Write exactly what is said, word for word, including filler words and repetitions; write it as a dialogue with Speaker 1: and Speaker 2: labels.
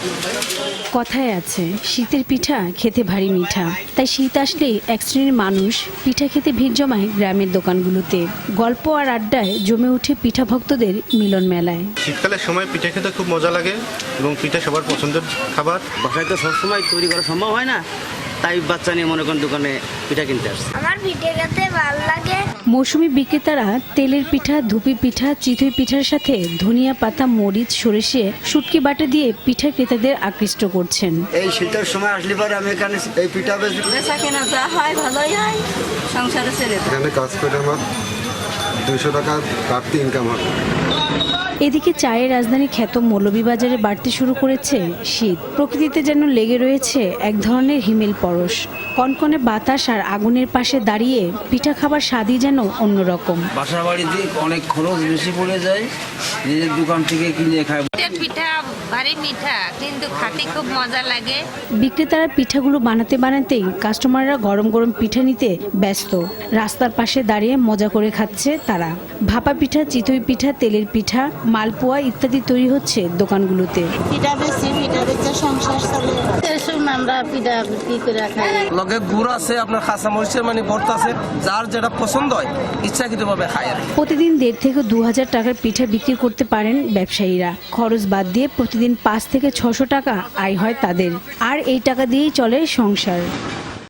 Speaker 1: কথায় আছে শীতের পিঠা খেতে ভারী মিঠা, তাই শীত আসলেই এক শ্রেণীর মানুষ পিঠা খেতে ভিড় জমায় গ্রামের দোকানগুলোতে। গল্প আর আড্ডায় জমে ওঠে পিঠা ভক্তদের মিলন মেলায়।
Speaker 2: শীতকালের সময় পিঠা খেতে খুব মজা লাগে এবং পিঠা সবার পছন্দের খাবার।
Speaker 3: বাসায় তো সবসময় তৈরি করা সম্ভব হয় না, তাই বাচ্চা নিয়ে মনে করেন দোকানে পিঠা কিনতে আসছে।
Speaker 4: আমার পিঠে খেতে ভালো লাগে।
Speaker 1: মৌসুমী বিক্রেতারা তেলের পিঠা, ধুপি পিঠা, চিতই পিঠার সাথে ধনিয়া পাতা, মরিচ, সরিষে, শুটকি বাটা দিয়ে পিঠা ক্রেতাদের আকৃষ্ট করছেন।
Speaker 3: এই শীতের সময় আসলে পরে আমি এখানে এই পিঠা বেশি
Speaker 5: বেচা কেনা যা হয় ভালোই হয়, সংসারে ছেড়ে
Speaker 6: এখানে কাজ করে আমার দুইশো টাকা বাড়তি ইনকাম হয়।
Speaker 1: এদিকে চায়ের রাজধানী খ্যাত মৌলভীবাজারে বাড়তে শুরু করেছে শীত। প্রকৃতিতে যেন লেগে রয়েছে এক ধরনের হিমেল পরশ। কনকনে বাতাস আর আগুনের পাশে দাঁড়িয়ে পিঠা খাবার স্বাদই যেন অন্যরকম।
Speaker 7: বাসা বাড়িতে অনেক খরচ বেশি পড়ে যায়, নিজের দোকান থেকে কিনে খায়।
Speaker 5: পিঠা ভারী মিঠা, কিন্তু খাতে খুব মজা লাগে।
Speaker 1: বিক্রেতারা পিঠাগুলো বানাতে বানাতেই কাস্টমাররা গরম গরম পিঠা নিতে ব্যস্ত। রাস্তার পাশে দাঁড়িয়ে মজা করে খাচ্ছে তারা। ভাপা পিঠা, চিতই পিঠা, তেলের পিঠা, মালপোয়া ইত্যাদি তৈরি হচ্ছে দোকানগুলোতে।
Speaker 8: পিঠা বেশি পিঠা বেচে সংসার চলে। আমরা পিঠা বিক্রি করে খাই।
Speaker 7: লগে গুড় আছে, আপনার কাঁচা মরিচের মানে ভর্তা আছে, যার যেটা পছন্দ হয় ইচ্ছাকৃতভাবে খায়।
Speaker 1: প্রতিদিন দেড় থেকে দু হাজার টাকার পিঠা বিক্রি করতে পারেন ব্যবসায়ীরা। খরচ বাদ দিয়ে প্রতিদিন পাঁচ থেকে ছশো টাকা আয় হয় তাদের, আর এই টাকা দিয়েই চলে সংসার।